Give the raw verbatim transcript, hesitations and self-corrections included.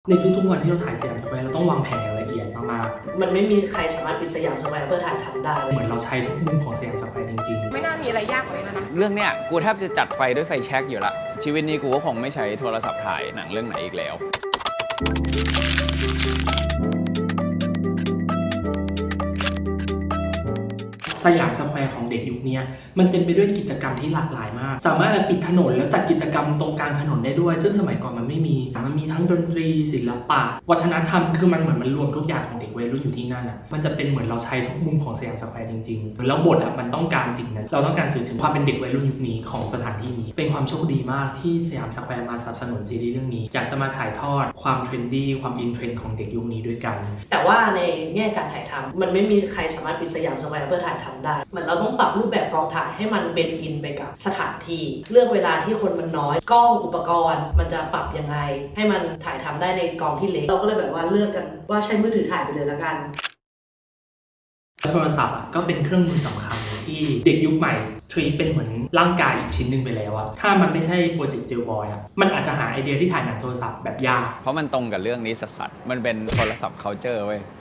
ในทุกๆวันที่เราถ่ายสยามสแควร์เราต้องวางแผนอย่างละเอียดมากๆมันไม่มีใครสามารถปิดสยามสแควร์เพื่อถ่ายทำได้เหมือนเราใช้ทุกมุมของสยามสแควร์จริงๆไม่น่ามีอะไรยากกว่านี้แล้วนะเรื่องเนี้ยกูแทบจะจัดไฟด้วยไฟแช็กอยู่ละชีวิตนี้กูก็คงไม่ใช้โทรศัพท์ถ่ายหนังเรื่องไหนอีกแล้วสยามสแควร์ของเด็กยุคนี้มันเต็มไปด้วยกิจกรรมที่หลากหลายมากสามารถปิดถนนแล้วจัดกิจกรรมตรงกลางถนนได้ด้วยซึ่งสมัยก่อนมันไม่มีมันมีทั้งดนตรีศิลปะวัฒนธรรมคือมันเหมือนมันรวมทุกอย่างของเด็กวัยรุ่นอยู่ที่นั่นอ่ะมันจะเป็นเหมือนเราใช้ทุกมุมของสยามสแควร์จริงๆแล้วบทอ่ะมันต้องการสิ่งนั้นเราต้องการสื่อถึงความเป็นเด็กวัยรุ่นยุคนี้ของสถานที่นี้เป็นความโชคดีมากที่สยามสแควร์มาสนับสนุนซีรีส์เรื่องนี้อยากจะมาถ่ายทอดความเทรนดี้ความอินเทรนด์ของเด็กยุคนี้ด้วยกันแต่ว่าในแง่การถ่ายทำมันไม่มีใครสามารถปิดสยามสแควร์เพื่อถ่ายทำได้เหมือนเราต้องปรับรูปแบบกองถ่ายให้มันเป็นอินไปกับสถานที่เลือกเวลาที่คนมันน้อยกล้องอุปกรณ์มันจะปรับยังไงให้มันถ่ายทำได้ในกองที่เล็กเราก็เลยแบบว่าเลือกกันว่าใช้มือถือถ่ายไปเลยละกันโทรศัพท์อ่ะก็เป็นเครื่องมือสำคัญที่เด็กยุคใหม่ทรีตเป็นเหมือนร่างกายอีกชิ้นหนึ่งไปแล้วอะถ้ามันไม่ใช่โปรเจกต์เจลบอยอะมันอาจจะหาไอเดียที่ถ่ายหนังโทรศัพท์แบบยากเพราะมันตรงกับเรื่องนี้สัสๆมันเป็นโทรศัพท์ culture เว้ย